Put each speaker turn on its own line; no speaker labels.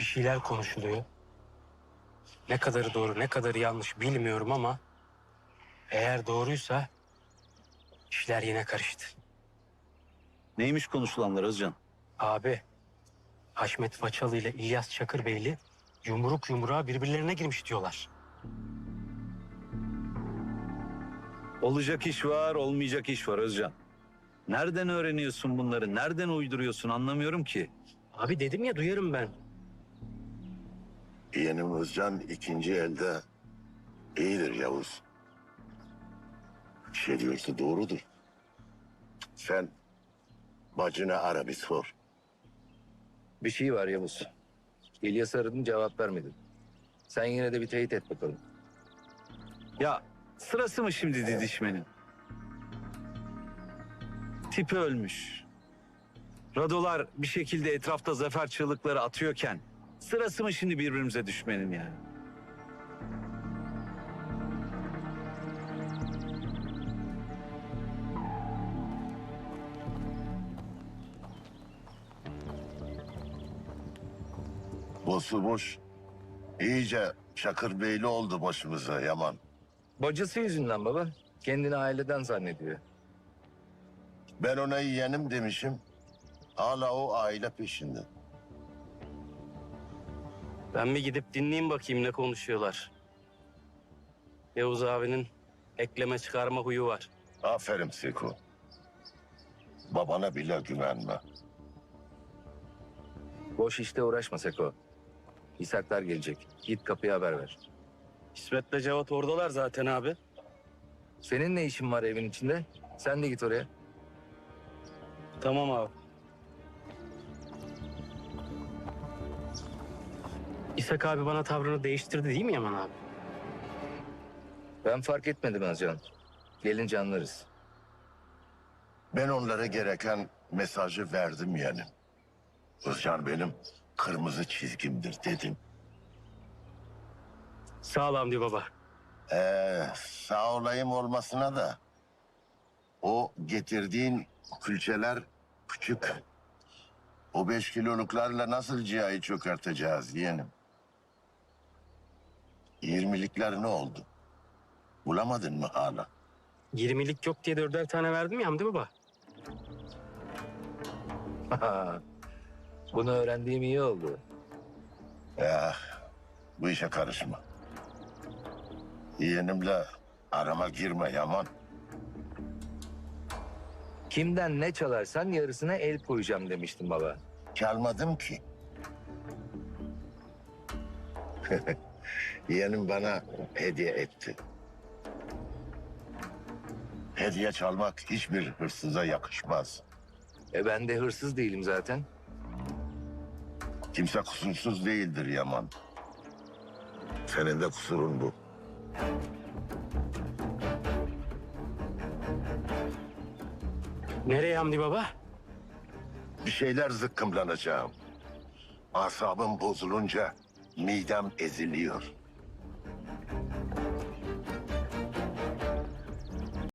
şeyler konuşuluyor. Ne kadarı doğru, ne kadarı yanlış bilmiyorum ama eğer doğruysa işler yine karıştı.
Neymiş konuşulanlar Özcan?
Abi, Haşmet Façalı ile İlyas Çakırbeyli yumruk yumruğa birbirlerine girmiş diyorlar.
Olacak iş var, olmayacak iş var Özcan. Nereden öğreniyorsun bunları? Nereden uyduruyorsun anlamıyorum ki.
Abi dedim ya, duyarım ben.
Yeğenim Özcan ikinci elde iyidir Yavuz. Bir şey diyorsa doğrudur. Sen bacına ara bir sor.
Bir şey var Yavuz. İlyas aradım, cevap vermedin. Sen yine de bir teyit et bakalım.
Ya sırası mı şimdi didişmenin? Tipi ölmüş. Radolar bir şekilde etrafta zafer çığlıkları atıyorken sırası mı şimdi birbirimize düşmenin yani?
Boş iyice Çakırbeyli oldu başımıza Yaman.
Bacısı yüzünden baba. Kendini aileden zannediyor.
Ben ona yeğenim demişim. Hala o aile peşinde.
Ben bir gidip dinleyeyim bakayım ne konuşuyorlar. Yavuz abinin ekleme çıkarma huyu var.
Aferin Seko. Babana bile güvenme.
Boş işte uğraşma Seko. İshaklar gelecek. Git kapıya haber ver.
İsmet'le Cevat oradalar zaten abi.
Senin ne işin var evin içinde? Sen de git oraya.
Tamam abi. İshak abi bana tavrını değiştirdi değil mi Yaman abi?
Ben fark etmedim Özcan. Gelince anlarız.
Ben onlara gereken mesajı verdim yani. Özcan benim kırmızı çizgimdir dedim.
Sağ ol Hamdi baba.
Sağ olayım olmasına da o getirdiğin külçeler küçük. O 5 kiloluklarla nasıl cihayı çökerteceğiz yeğenim? 20'likler ne oldu? Bulamadın mı hala?
20'lik yok diye 4'er tane verdim ya Hamdi baba.
Bunu öğrendiğim iyi oldu.
Ya bu işe karışma. Yeğenimle arama girme Yaman.
Kimden ne çalarsan yarısına el koyacağım demiştim baba.
Çalmadım ki. Yeğenim bana hediye etti. Hediye çalmak hiçbir hırsıza yakışmaz.
Ben de hırsız değilim zaten.
Kimse kusursuz değildir Yaman. Senin de kusurun bu.
Nereye Hamdi baba?
Bir şeyler zıkkımlanacağım. Asabım bozulunca midem eziliyor.